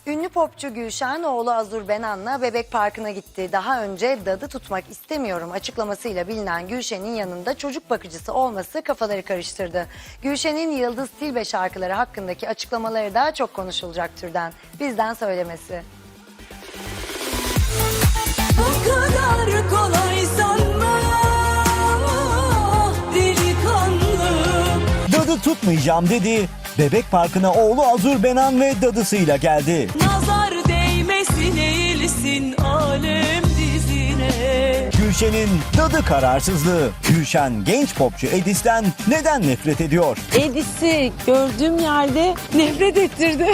Ünlü popçu Gülşen oğlu Azur Benan'la Bebek Parkı'na gitti. Daha önce dadı tutmak istemiyorum açıklamasıyla bilinen Gülşen'in yanında çocuk bakıcısı olması kafaları karıştırdı. Gülşen'in Yıldız Tilbe şarkıları hakkındaki açıklamaları daha çok konuşulacak türden. Bizden söylemesi. Bu kadar kolay sanma delikanlı. Dadı tutmayacağım dedi. Bebek Parkı'na oğlu Azur Benan ve dadısıyla geldi. Nazar değmesin eğilsin alem dizine. Gülşen'in dadı kararsızlığı. Gülşen genç popçu Edis'ten neden nefret ediyor? Edis'i gördüğüm yerde nefret ettirdi.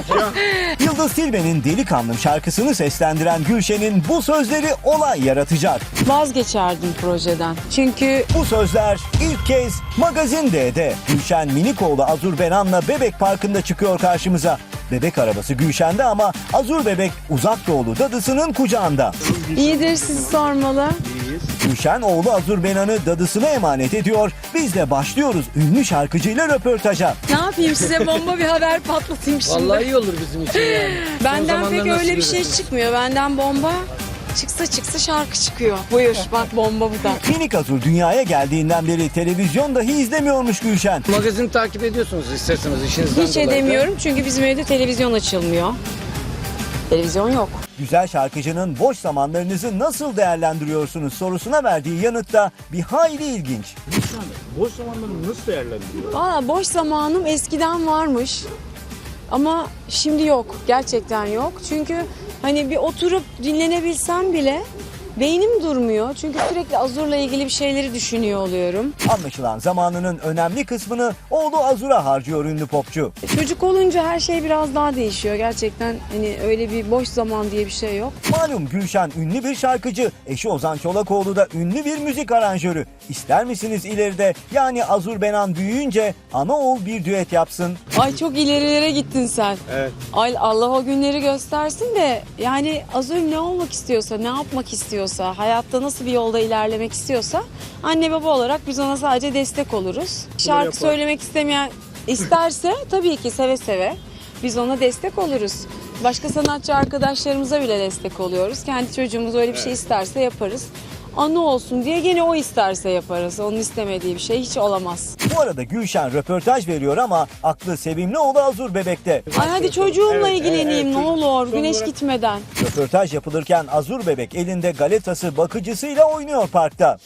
Yıldız Tilbe'nin Delikanlım şarkısını seslendiren Gülşen'in bu sözleri olay yaratacak. Vazgeçerdim projeden. Çünkü Bu sözler ilk kez Magazin D'de. Gülşen Minikoğlu Azur Benan'la Bebek Parkı'nda çıkıyor karşımıza. Bebek arabası Gülşen'de ama Azur Bebek uzak doğulu dadısının kucağında. iyidir sizi sormalı. Gülşen oğlu Azur Benan'ı dadısına emanet ediyor. Biz de başlıyoruz ünlü şarkıcıyla röportaja. Ne yapayım size bomba bir haber patlatayım şimdi. Vallahi iyi olur bizim için yani. Son Benden zamanlarda pek nasıl öyle bir şey görüyorsunuz? çıkmıyor. Benden bomba çıksa şarkı çıkıyor. Buyur bak bomba bu da. Minik Azur dünyaya geldiğinden beri televizyon dahi izlemiyormuş Gülşen. Magazin takip ediyorsunuz isterseniz işinizden Hiç dolayı da. edemiyorum çünkü bizim evde televizyon açılmıyor. Televizyon yok. Güzel şarkıcının boş zamanlarınızı nasıl değerlendiriyorsunuz sorusuna verdiği yanıtta bir hayli ilginç. Boş zamanlarını nasıl değerlendiriyor? Valla boş zamanım eskiden varmış. Ama şimdi yok. Gerçekten yok. Çünkü hani bir oturup dinlenebilsem bile beynim durmuyor. Çünkü sürekli Azur'la ilgili bir şeyleri düşünüyor oluyorum. Anlaşılan zamanının önemli kısmını oğlu Azur'a harcıyor ünlü popçu. Çocuk olunca her şey biraz daha değişiyor. Gerçekten hani öyle bir boş zaman diye bir şey yok. Malum Gülşen ünlü bir şarkıcı, eşi Ozan Çolakoğlu da ünlü bir müzik aranjörü. İster misiniz ileride yani Azur Benan büyüyünce ana oğul bir düet yapsın? Ay çok ilerilere gittin sen. Evet. Ay Allah o günleri göstersin de yani Azur ne olmak istiyorsa, ne yapmak istiyorsa, hayatta nasıl bir yolda ilerlemek istiyorsa anne baba olarak biz ona sadece destek oluruz. Şarkı yapar. söylemek istemeyen isterse tabii ki seve seve biz ona destek oluruz. Başka sanatçı arkadaşlarımıza bile destek oluyoruz. Kendi çocuğumuz öyle bir şey isterse yaparız. Anı olsun diye gene o isterse yaparız. Onun istemediği bir şey hiç olamaz. Bu arada Gülşen röportaj veriyor ama aklı sevimli oğlu Azur Bebek'te. Ay hadi çocuğumla Evet, ilgileneyim evet, ne çocuk- olur son güneş olarak- gitmeden. Röportaj yapılırken Azur Bebek elinde galetası bakıcısıyla oynuyor parkta.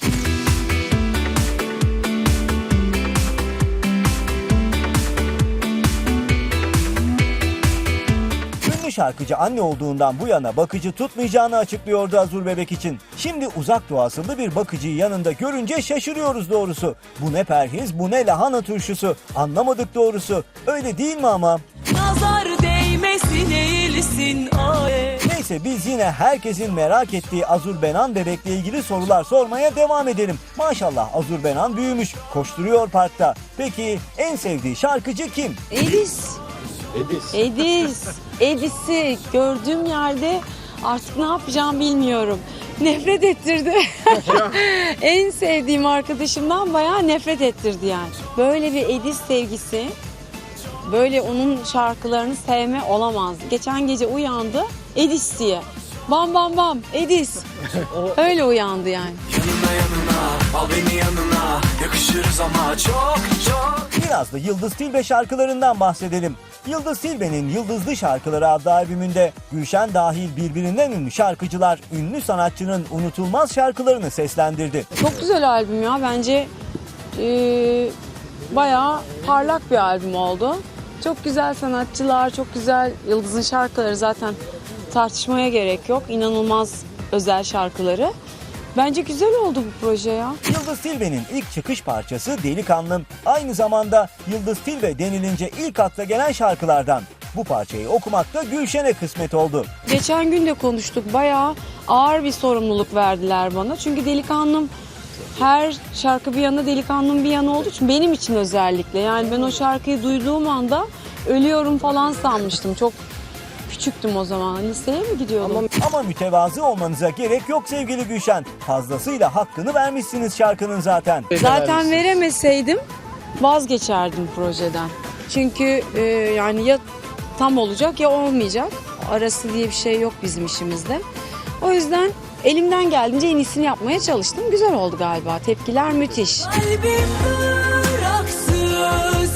Ünlü şarkıcı anne olduğundan bu yana bakıcı tutmayacağını açıklıyordu Azur Bebek için. Şimdi uzak doğu asıllı bir bakıcıyı yanında görünce şaşırıyoruz doğrusu. Bu ne perhiz, bu ne lahana turşusu. Anlamadık doğrusu. Öyle değil mi ama? Nazar değmesin eğilsin alem. Neyse biz yine herkesin merak ettiği Azur Benan Bebek'le ilgili sorular sormaya devam edelim. Maşallah Azur Benan büyümüş, koşturuyor parkta. Peki en sevdiği şarkıcı kim? Edis. Edis'i gördüğüm yerde artık ne yapacağım bilmiyorum. Nefret ettirdi. En sevdiğim arkadaşımdan bayağı nefret ettirdi yani. Böyle bir Edis sevgisi, böyle onun şarkılarını sevme olamazdı. Geçen gece uyandı Edis diye. Bam bam bam Edis. Öyle uyandı yani. Al beni yanına, yakışırız ama çok. Biraz da Yıldız Tilbe şarkılarından bahsedelim. Yıldız Tilbe'nin Yıldızlı Şarkıları adlı albümünde Gülşen dahil birbirinden ünlü şarkıcılar ünlü sanatçının unutulmaz şarkılarını seslendirdi. Çok güzel albüm ya bence bayağı parlak bir albüm oldu. Çok güzel sanatçılar, çok güzel Yıldız'ın şarkıları zaten tartışmaya gerek yok. İnanılmaz özel şarkıları. Bence güzel oldu bu proje ya. Yıldız Tilbe'nin ilk çıkış parçası Delikanlım. Aynı zamanda Yıldız Tilbe denilince ilk akla gelen şarkılardan. Bu parçayı okumak da Gülşen'e kısmet oldu. Geçen gün de konuştuk. Bayağı ağır bir sorumluluk verdiler bana. Çünkü Delikanlım her şarkı bir yana Delikanlım bir yana olduğu için benim için özellikle. Yani ben o şarkıyı duyduğum anda ölüyorum falan sanmıştım. Çok küçüktüm o zaman. Liseye mi gidiyordum? Ama mütevazı olmanıza gerek yok sevgili Gülşen. Fazlasıyla hakkını vermişsiniz şarkının zaten. Zaten veremeseydim vazgeçerdim projeden. Çünkü yani ya tam olacak ya olmayacak. Arası diye bir şey yok bizim işimizde. O yüzden elimden geldiğince en iyisini yapmaya çalıştım. Güzel oldu galiba. Tepkiler müthiş. Kalbim bıraksız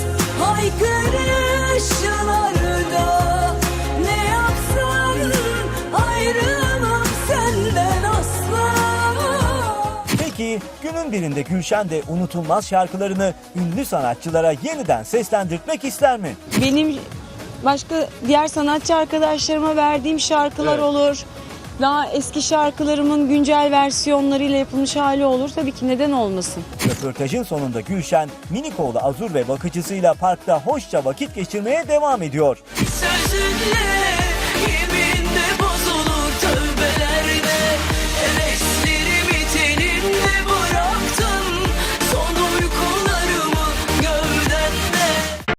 haykırışlarda, ne yapsam ayrılmam senden asla. Peki günün birinde Gülşen de unutulmaz şarkılarını ünlü sanatçılara yeniden seslendirmek ister mi? Benim başka diğer sanatçı arkadaşlarıma verdiğim şarkılar olur. Daha eski şarkılarımın güncel versiyonlarıyla yapılmış hali olur. Tabii ki neden olmasın? Röportajın sonunda Gülşen, minik oğlu Azur ve bakıcısıyla parkta hoşça vakit geçirmeye devam ediyor. Sözünle yemin